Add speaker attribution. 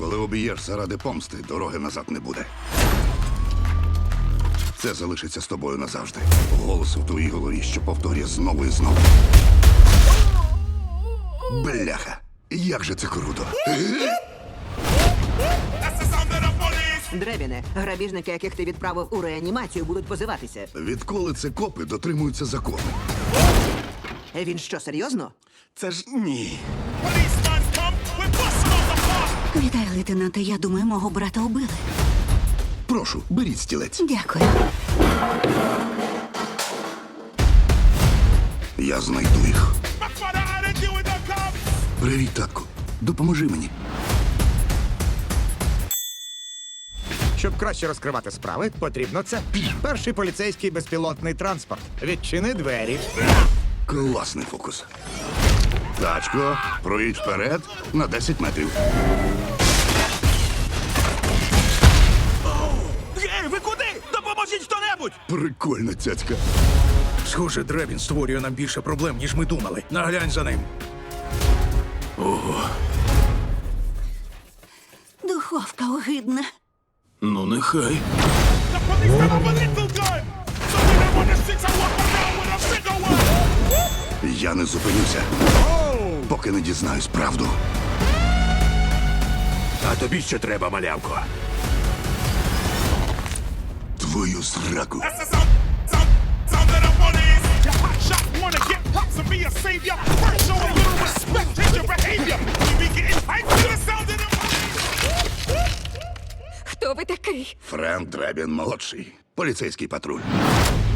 Speaker 1: Коли об'єшся ради помсти, дороги назад не буде. Це залишиться з тобою назавжди. Голос в твоїй голові, що повторює знову і знову. Бляха! Як же це круто!
Speaker 2: Дребіне, грабіжники, яких ти відправив у реанімацію, будуть позиватися.
Speaker 1: Відколи це копи дотримуються закону?
Speaker 2: Він що, серйозно?
Speaker 1: Це ж ні.
Speaker 3: Вітаю, лейтенанте. Я думаю, мого брата убили.
Speaker 1: Прошу, беріть стілець.
Speaker 3: Дякую.
Speaker 1: Я знайду їх. Привіт, татку. Допоможи мені.
Speaker 4: Щоб краще розкривати справи, потрібно це. Перший поліцейський безпілотний транспорт. Відчини двері.
Speaker 1: Класний фокус. Тачко, проїдь вперед на 10 метрів.
Speaker 5: Ей, ви куди? Допоможіть хто-небудь!
Speaker 1: Прикольна цяцька.
Speaker 5: Схоже, Дребін створює нам більше проблем, ніж ми думали. Наглянь за ним.
Speaker 3: Духовка огидна.
Speaker 5: Ну, нехай.
Speaker 1: Я не зупинюся, поки не дізнаюсь правду.
Speaker 5: А тобі ще треба, малявко.
Speaker 1: Твою зраку.
Speaker 3: Хто ви такий?
Speaker 1: Френк Дребін молодший. Поліцейський патруль.